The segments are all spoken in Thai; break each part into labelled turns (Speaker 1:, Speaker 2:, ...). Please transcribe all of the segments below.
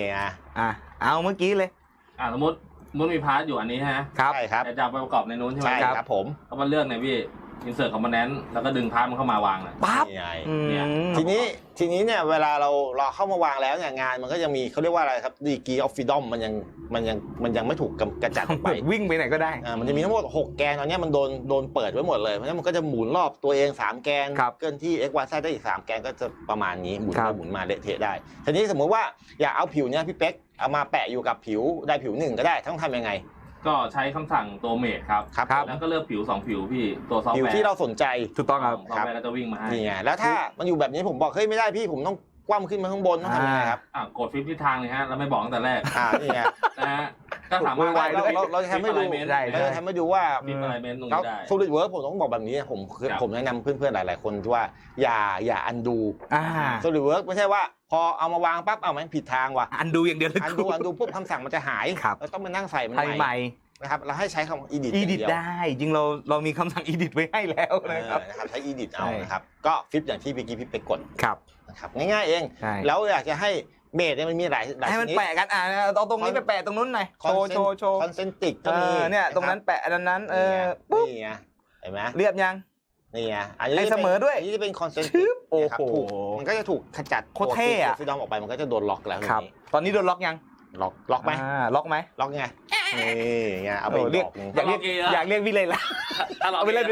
Speaker 1: เอาเมื่อกี้เลย
Speaker 2: สมมติมีพาร์ทอยู่อันนี้ฮะ
Speaker 1: ครับ
Speaker 3: ใช่ครับ
Speaker 2: จะไปประกอบในนู้นใช่ไหม
Speaker 3: ใช่ครับผม
Speaker 2: ก็มาเลือกในพี่insert component แล้วก็ดึงพาร์ทมันเข้ามาวางเลย
Speaker 1: ปั๊บ
Speaker 3: ทีนี้เนี่ยเวลาเราเข้ามาวางแล้วเนี่ยงานมันก็ยังมีเขาเรียกว่าอะไรครับ degree of freedom มันยังไม่ถูกกระจัดออกไป
Speaker 1: วิ่งไปไหนก็ได้
Speaker 3: มันจะมีทั้งหมด6แกนตอนนี้มันโดนเปิดไว้หมดเลยเพราะฉะนั้นมันก็จะหมุนรอบตัวเอง3แกนเกินที่ x y z ได้อีก3แกนก็จะประมาณนี้หมุนไปหมุนมาเละเทะได้ทีนี้สมมุติว่าอยากเอาผิวเนี่ยพี่เป๊กเอามาแปะอยู่กับผิวใดผิวหนึ่งก็ได้ต้องทำยังไง
Speaker 2: ก็ใช้คำสั่งตัวเมดครับแล้วก็เลือกผิว2ผิวพี่ตัวซอฟต์แวร์
Speaker 3: ผิวที่เราสนใจ
Speaker 1: ถูกต้องครับ
Speaker 2: ซอฟต์แวร์ก็จะวิ่งมาให้
Speaker 3: นี่ไงแล้วถ้ามันอยู่แบบนี้ผมบอกเฮ้ยไม่ได้พี่ผมต้องคว่ำขึ้นมาข้างบนต้องทำยังไงครับ
Speaker 2: กดฟลิปทิศทางเลยฮะเราไม่บอกตั้งแต่แรก
Speaker 3: นี่ไง
Speaker 2: นะฮะก็สามารถ
Speaker 3: เราจะทำให้ดูเราจะทำให้ดูว่า
Speaker 2: ฟิปอะไรเมนตรงนี้ได้
Speaker 3: SolidWorks ผมต้องบอกแบบนี้ผมแนะนำเพื่อนๆหลายๆคนว่าอย่าอันดูSolidWorks ไม่ใช่ว่าพอเอามาวางปั๊บเอามันผิดทางว่ะ
Speaker 1: อันดูอย่างเดียว
Speaker 3: อันดูปุ๊บคำสั่งมันจะหายเราต้องมานั่งใส่มันใหม่นะครับเราให้ใช้คำ edit
Speaker 1: ได้จริงเรามีคำสั่ง edit ไว้ให้แล้วนะครับ
Speaker 3: ใช้ edit เอานะครับก็ฟิปอย่างที่พี่ไปกด
Speaker 1: ครับ
Speaker 3: นะครับง่ายๆเองแล้วอยากจะให้เมดเนี่ยมันมีหลาย
Speaker 1: ให้มันแปะกันเอาตรงนี้ไปแปะตรงนู้นหน่อยโชว์
Speaker 3: คอนเซนติกก็มี
Speaker 1: เนี่ยตรงนั้นแปะอันนั้น
Speaker 3: ปุ๊บนี่ไงเห็นไหม
Speaker 1: เรียบยัง
Speaker 3: นี่ไง
Speaker 1: ให้เสมอด้วย
Speaker 3: อันนี้จะเป็นคอนเซนติก
Speaker 1: โอ้โห
Speaker 3: มันก็จะถูกขจัด
Speaker 1: โคตรเท่อะ
Speaker 3: ฟิดอมออกไปมันก็จะโดนล็อกแล้ว
Speaker 1: ครับตอนนี้โดนล็อกยัง
Speaker 3: ล็อกไหม
Speaker 1: ล็อกไหม
Speaker 3: ล็อกไงนี่ไงเอาไป
Speaker 1: เรียกอยากเรียกวิเลยละเอาไปเล่น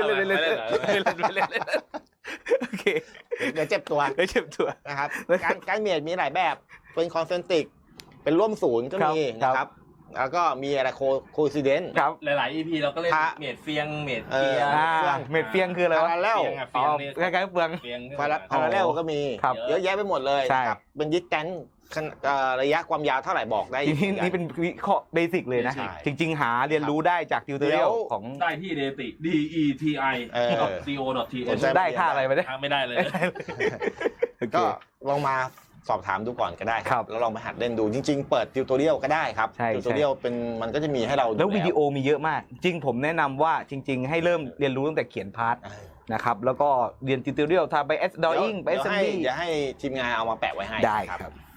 Speaker 1: โอเค
Speaker 3: เดี๋ยวเจ็บตัวนะครับการเมดมีหลายแบบเป็นคอนเซนติกเป็นร่วมศูนย์ก็มีนะครับแล้วก็มีอะไรโคซิเดนต์
Speaker 1: ครับ
Speaker 2: หลายๆ EP เราก็เล่นเมดเฟียงเมดเฟีย
Speaker 1: เมดเฟียงคืออะไรวะ
Speaker 3: แล้ว
Speaker 1: คล้ายๆเฟือง
Speaker 3: พาราเรลก็มีเยอะแยะไปหมดเลยครับเป็นดิสแทนซ์ระยะความยาวเท่าไหร่บอกได้
Speaker 1: นี่เป็นวิเคราะห์เบสิกเลยนะจริงๆหาเรียนรู้ได้จากติวเตอร์เรียลของ
Speaker 2: ได้ที่ deti.co.th
Speaker 1: ได้ค่าอะไรไปได้
Speaker 2: ไม่ได้เลย
Speaker 3: ก็ลองมาสอบถามดูก่อนก็ได้ครับแล้วลองไปหัดเล่นดูจริงๆเปิดติวตอเรียลก็ได้ครับติวตอเรียลเป็นมันก็จะมีให้เรา
Speaker 1: แล้ววิดีโอมีเยอะมากจริงผมแนะนำว่าจริงๆให้เริ่มเรียนรู้ตั้งแต่เขียนพาร์ทนะครับแล้วก็เรียนติวตอเรียลทำไป drawing ไป assembly
Speaker 3: อย่าให้ทีมงานเอามาแปะไว้ให้
Speaker 1: ได้ครับ